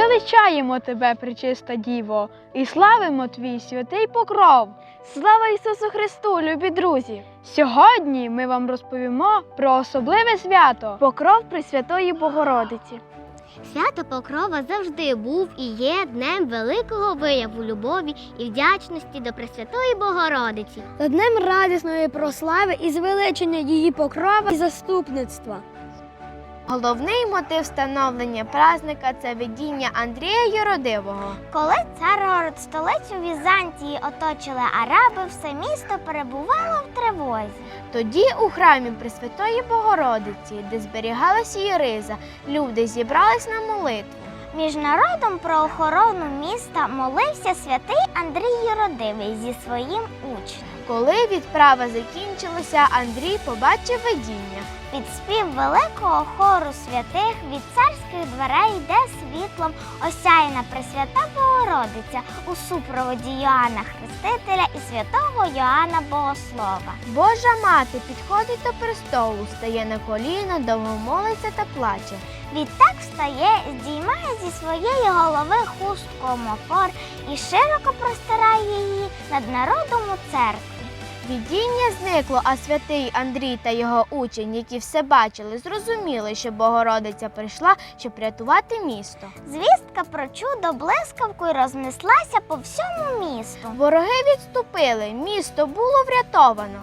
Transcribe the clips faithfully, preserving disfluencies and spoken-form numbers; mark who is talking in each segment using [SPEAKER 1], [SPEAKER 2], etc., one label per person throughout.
[SPEAKER 1] Величаємо тебе, пречиста Діво, і славимо твій святий покров.
[SPEAKER 2] Слава Ісусу Христу, любі друзі!
[SPEAKER 1] Сьогодні ми вам розповімо про особливе свято –
[SPEAKER 2] Покров Пресвятої Богородиці.
[SPEAKER 3] Свято Покрова завжди був і є днем великого вияву любові і вдячності до Пресвятої Богородиці.
[SPEAKER 4] Та днем радісної прослави і звеличення її покрова і заступництва.
[SPEAKER 2] Головний мотив встановлення празника – це видіння Андрія Юродивого.
[SPEAKER 3] Коли цар-город столицю Візантії оточили араби, все місто перебувало в тривозі.
[SPEAKER 2] Тоді у храмі Пресвятої Богородиці, де зберігалася її риза, люди зібрались на молитву.
[SPEAKER 3] Між народом про охорону міста молився святий Андрій Юродивий зі своїм учнем.
[SPEAKER 2] Коли відправа закінчилася, Андрій побачив видіння.
[SPEAKER 3] Під спів великого хору святих від царських дверей йде світлом осяяна Пресвята Богородиця у супроводі Йоанна Хрестителя і святого Йоанна Богослова.
[SPEAKER 2] Божа мати підходить до престолу, стає на коліна, довго молиться та плаче.
[SPEAKER 3] Відтак встає, здіймає зі своєї голови хустку омофор і широко простирає її над народом у церкві.
[SPEAKER 2] Видіння зникло, а святий Андрій та його учень, які все бачили, зрозуміли, що Богородиця прийшла, щоб рятувати місто.
[SPEAKER 3] Звістка про чудо блискавкою рознеслася по всьому місту.
[SPEAKER 2] Вороги відступили, місто було врятовано.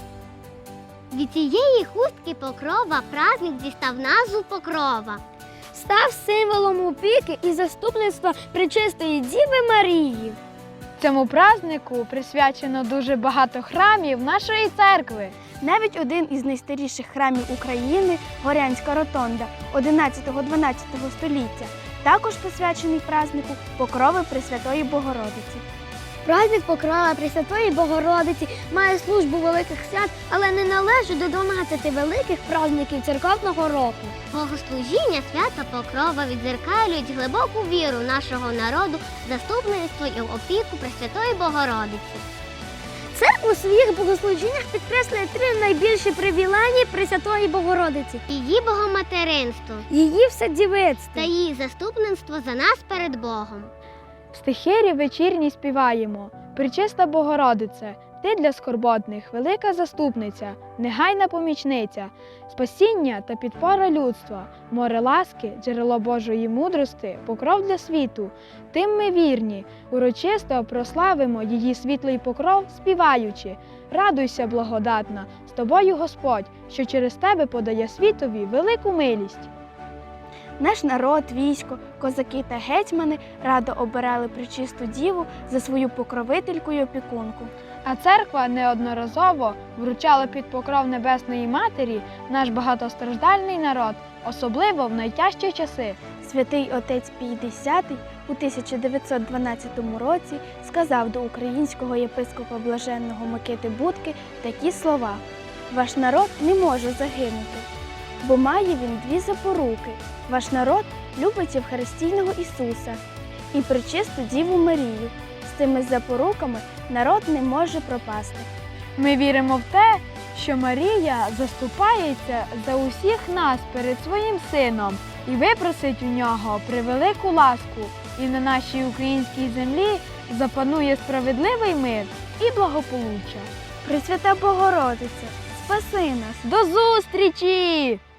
[SPEAKER 3] Від цієї хустки Покрова праздник дістав назву Покрова.
[SPEAKER 4] Став символом опіки і заступництва Пречистої Діви Марії.
[SPEAKER 1] Цьому празднику присвячено дуже багато храмів нашої церкви.
[SPEAKER 2] Навіть один із найстаріших храмів України – Горянська Ротонда одинадцятого-дванадцятого століття, також посвячений празднику Покрови Пресвятої Богородиці.
[SPEAKER 4] Праздник Покрова Пресвятої Богородиці має службу великих свят, але не належить до дванадцяти великих праздників церковного року.
[SPEAKER 3] Богослужіння свята Покрова відзеркалюють глибоку віру нашого народу, заступництво і опіку Пресвятої Богородиці.
[SPEAKER 4] Церква у своїх богослужіннях підкреслює три найбільші привілеї Пресвятої Богородиці.
[SPEAKER 3] Її богоматеринство
[SPEAKER 4] Її вседівицтво
[SPEAKER 3] та її заступництво за нас перед Богом.
[SPEAKER 1] В стихирі вечірній співаємо: «Пречиста Богородице, ти для скорботних велика заступниця, негайна помічниця, спасіння та підпора людства, море ласки, джерело Божої мудрости, покров для світу. Тим ми вірні, урочисто прославимо її світлий покров, співаючи: радуйся, благодатна, з тобою Господь, що через тебе подає світові велику милість».
[SPEAKER 2] Наш народ, військо, козаки та гетьмани радо обирали Пречисту Діву за свою покровительку й опікунку.
[SPEAKER 1] А церква неодноразово вручала під покров Небесної Матері наш багатостраждальний народ, особливо в найтяжчі часи.
[SPEAKER 2] Святий отець Пій Десятий у тисяча дев'ятсот дванадцятому році сказав до українського єпископа блаженного Микити Будки такі слова: «Ваш народ не може загинути, бо має він дві запоруки. Ваш народ любить Євхаристійного Ісуса і Пречисту Діву Марію. З цими запоруками народ не може пропасти».
[SPEAKER 1] Ми віримо в те, що Марія заступається за усіх нас перед своїм Сином і випросить у нього превелику ласку, і на нашій українській землі запанує справедливий мир і благополуччя.
[SPEAKER 2] Пресвята Богородиця, спаси нас!
[SPEAKER 1] До зустрічі!